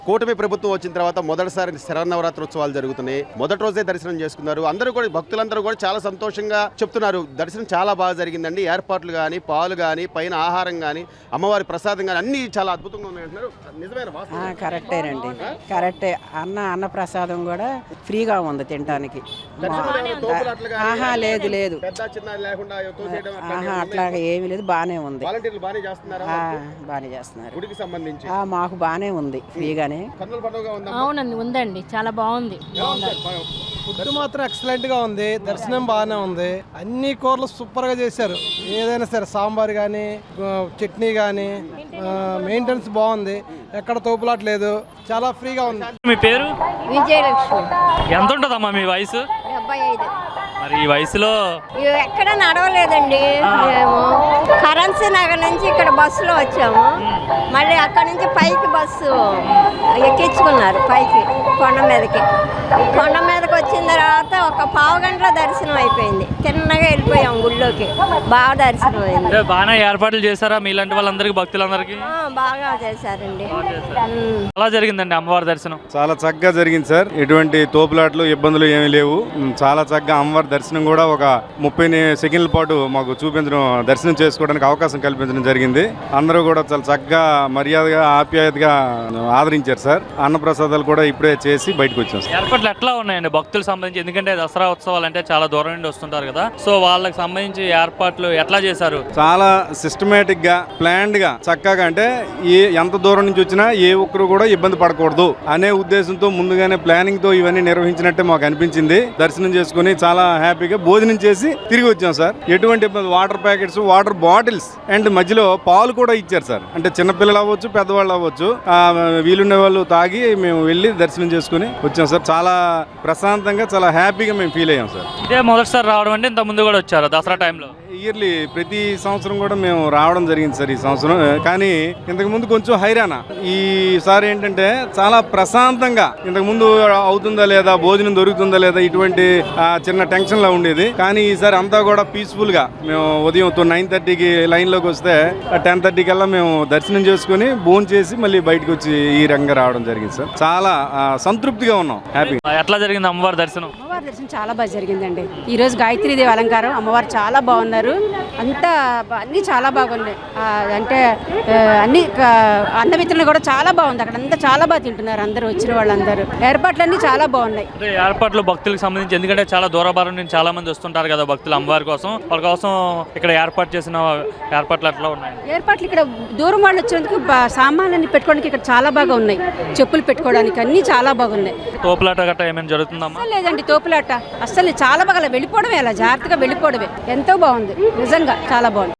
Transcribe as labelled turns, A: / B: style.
A: కూటమి ప్రభుత్వం వచ్చిన తర్వాత మొదటిసారి శరన్నవరాత్రోత్సవాలు జరుగుతున్నాయి. మొదటి రోజే దర్శనం చేసుకున్నారు. అందరూ కూడా భక్తులందరూ కూడా చాలా సంతోషంగా చెప్తున్నారు. దర్శనం చాలా బాగా జరిగిందండి. ఏర్పాట్లు కానీ, పాలు కానీ, పైన ఆహారం కానీ, అమ్మవారి ప్రసాదం కానీ అన్ని చాలా అద్భుతంగా ఉన్నాయంటున్నారు. నిజమైన
B: కరెక్టేనండి, కరెక్టే. అన్న ప్రసాదం కూడా ఫ్రీగా ఉంది తినడానికి. లేదు లేదు, అట్లాగా ఏమీ లేదు, బాగానే ఉంది. బాగానే చేస్తున్నారు. మాకు బాగానే ఉంది, ఫ్రీగానే.
C: అవునండి, ఉందండి, చాలా బాగుంది.
D: ఫుడ్ మాత్రం ఎక్సలెంట్ గా ఉంది. దర్శనం బాగానే ఉంది. అన్ని కూరలు సూపర్ గా చేశారు. ఏదైనా సరే సాంబార్ కానీ, చట్నీ కానీ, మెయింటెనెన్స్ బాగుంది. ఎక్కడ తోపులాట లేదు. చాలా ఫ్రీగా ఉంది.
E: మీ పేరు?
C: విజయలక్ష్మి.
E: ఎంత ఉంటుందమ్మా మీ వయసు?
C: 75.
E: మరి ఈ వయసులో
C: ఎక్కడ నడవలేదండి. మేము కరెన్సీ నగర్ నుంచి ఇక్కడ బస్సులో వచ్చాము. మళ్ళీ అక్కడ నుంచి పైకి బస్సు ఎక్కించుకున్నారు, పైకి కొండ మీదకి. కొండ మీదకి వచ్చిన తర్వాత ఒక పావు గంటలో దర్శనం అయిపోయింది. తిన్నగా వెళ్ళిపోయాం గుళ్ళోకి. బాగా దర్శనం అయింది.
E: బాగా ఏర్పాట్లు చేశారా మీలాంటి వాళ్ళందరికీ, భక్తులందరికీ?
C: బాగా చేశారండి.
E: ఎలా జరిగిందండి అమ్మవారి దర్శనం?
F: చాలా చక్కగా జరిగింది సార్. ఎటువంటి తోపులాట్లు, ఇబ్బందులు ఏమీ లేవు. చాలా చక్కగా అమ్మవారి దర్శనం కూడా ఒక 30 సెకండ్ల పాటు మాకు చూపించడం, దర్శనం చేసుకోవడానికి అవకాశం కల్పించడం జరిగింది. అందరూ కూడా చాలా చక్కగా, మర్యాదగా, ఆప్యాయతగా ఆదరించారు సార్. అన్నప్రసాదాలు కూడా ఇప్పుడే చేసి బయటకు వచ్చాం సార్.
E: ఏర్పాట్లు ఎట్లా ఉన్నాయండి భక్తులకు సంబంధించి? ఎందుకంటే దసరా ఉత్సవాలు అంటే చాలా దూరం నుండి వస్తుంటారు కదా, సో వాళ్ళకి సంబంధించి ఏర్పాట్లు ఎట్లా చేశారు?
F: చాలా సిస్టమేటిక్ గా, ప్లాన్డ్ గా, చక్కగా, అంటే ఎంత దూరం నుంచి వచ్చినా ఏ ఒక్కరు కూడా ఇబ్బంది పడకూడదు అనే ఉద్దేశంతో ముందుగానే ప్లానింగ్ తో ఇవన్నీ నిర్వహించినట్టే మాకు అనిపించింది. దర్శనం చేసుకుని చాలా హ్యాపీగా భోజనం చేసి తిరిగి వచ్చాం సార్. ఎటువంటి ఇబ్బంది, water packets, water bottles and మధ్యలో పాలు కూడా ఇచ్చారు సార్. అంటే చిన్నపిల్లలు అవ్వచ్చు, పెద్దవాళ్ళు అవ్వచ్చు, వీలుండే వాళ్ళు తాగి మేము వెళ్ళి దర్శనం చేసుకుని వచ్చాం సార్. చాలా ప్రశాంతంగా, చాలా హ్యాపీగా మేము ఫీల్ అయ్యాం సార్.
E: ఇదే మొదటిసారి రావడం అంటే ఇంత ముందు కూడా వచ్చారు దసరా టైంలో?
F: ఇయర్లీ ప్రతి సంవత్సరం కూడా మేము రావడం జరిగింది సార్ ఈ సంవత్సరం. కానీ ఇంతకు ముందు కొంచెం హైరాణ. ఈసారి ఏంటంటే చాలా ప్రశాంతంగా, ఇంతకు ముందు అవుతుందా లేదా, భోజనం దొరుకుతుందా లేదా, ఇటువంటి చిన్న టెన్షన్ లా ఉండేది. కానీ ఈసారి అంతా కూడా పీస్ఫుల్ గా, మేము ఉదయం 9:30కి లైన్ లోకి వస్తే 10:30 కల్లా మేము దర్శనం చేసుకుని భోజనం చేసి మళ్ళీ బయటకు వచ్చి ఈ రంగం రావడం జరిగింది సార్. చాలా సంతృప్తిగా ఉన్నాం, హ్యాపీ.
E: ఎట్లా జరిగింది అమ్మవారి దర్శనం?
G: అమ్మవారి దర్శనం చాలా బాగా జరిగిందండి. ఈ రోజు గాయత్రీదేవి అలంకారం, అమ్మవారు చాలా బాగున్నారు. అంతా అన్ని చాలా బాగున్నాయి. అంటే అన్ని అన్నమిత్రులు కూడా చాలా బాగుంది. అక్కడ అంతా చాలా బాగా తింటున్నారు అందరూ, వచ్చిన వాళ్ళందరూ. ఏర్పాట్లన్నీ చాలా బాగున్నాయి.
E: ఏర్పాట్లు భక్తులకు సంబంధించి, ఎందుకంటే చాలా దూరభారం నుంచి చాలా మంది వస్తుంటారు కదా భక్తులు అమ్మవారి కోసం. వాళ్ళ కోసం ఇక్కడ ఏర్పాటు చేసిన ఏర్పాట్లు ఎట్లా ఉన్నాయి?
G: ఏర్పాట్లు ఇక్కడ దూరం వాళ్ళు వచ్చినందుకు సామాన్లన్నీ పెట్టుకోవడానికి ఇక్కడ చాలా బాగా ఉన్నాయి. చెప్పులు పెట్టుకోవడానికి అన్ని చాలా బాగున్నాయి.
E: తోపులాట గట్రా ఏమైనా జరుగుతుందమ్మా?
G: లేదండి, తోపులాట అస్సలు చాలా బాగా వెళ్ళిపోవడమే, అలా జాగ్రత్తగా వెళ్ళిపోవడమే. ఎంతో బాగుంది, నిజంగా చాలా బాగుంది.